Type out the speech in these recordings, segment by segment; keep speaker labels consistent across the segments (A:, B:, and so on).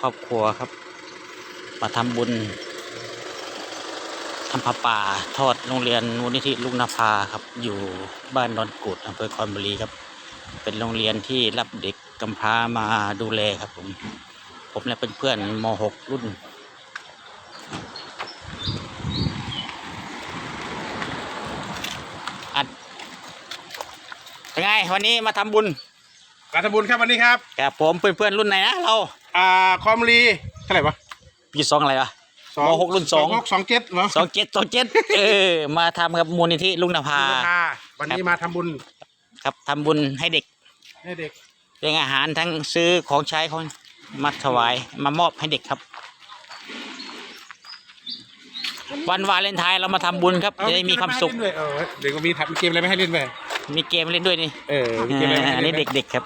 A: รอบครัวครับมาทำบุญทำผ้าป่าทอดโรงเรียนมูลนิธิลุงนภาครับอยู่บ้านดอนกูดอำเภอคอนบุรีครับเป็นโรงเรียนที่รับเด็กกำพร้ามาดูแลครับผมและเป็นเพื่อนม .6 รุ่นอัดเป็นไงวันนี้มาทำบุญ
B: การทำบุญครับวันนี้ครับ
A: กับผมเพื่อนรุ่นไหนนะเรา
B: คอมรีเท่าไหร่วะ
A: ปี2อะไรวะม .6 รุ่น
B: 27เหรอ
A: 27มาทำกับมูลนิธิลุงนภา
B: วันนี้มาทำบุญ
A: ครับทำบุญให้เด็กเลี้ยงอาหารทั้งซื้อของใช้ของมาถวายมามอบให้เด็กครับวันวาเลนไทน์เรามาทำบุญครับจะได้มีความสุข
B: เด็กก็มีเกมอะไรไม่ให้เล่นไป
A: มีเกมเล่นด้วยนี่
B: มีเกมอะไร
A: อันนี้เด็กๆครับ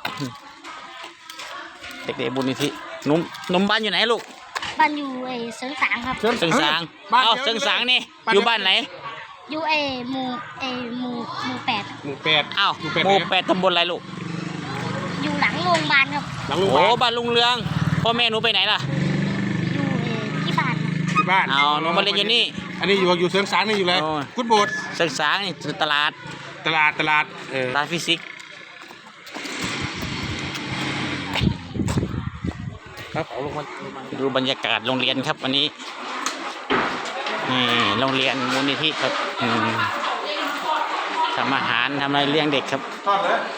A: เด็กๆบุญนิธินุ่มบ้านอยู่ไหนลูก
C: บ้านอยู่เสริงสางครับ
A: เสริงสางเสริงสางนี่อยู่บ้านไหน
C: อยู่หมู่8
A: อ้าวหมู่8ตำบลอะไรลูก
C: อยู่หลังโรงพยาบาลครับ
A: โอ้บ้านลุงเรืองพ่อแม่หนูไปไหนล่ะ
C: อยู่ที่บ้าน
A: เอาหนูมาเรียนอยู่นี่
B: อันนี้อยู่เสริงสางนี่อยู่เลยคุณโบสถ์
A: เสริงสางนี่ตลาดฟิสิกส์
B: ครับเอาลงมา
A: ดูบรรยากาศโรงเรียนครับวันนี้นี่โรงเรียนมูลนิธิครับทำอาหารทำอะไรเลี้ยงเด็กครับ
B: ทอดเลย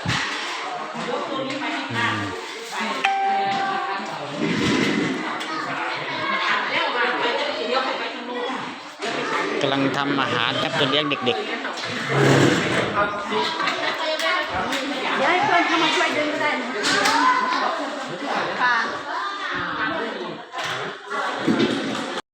A: กำลังทำอาหารครับจะเลี้ยงเด็กๆเดี๋
C: ยวให้เพื่อนเข้ามาช่วยดึงก็ได้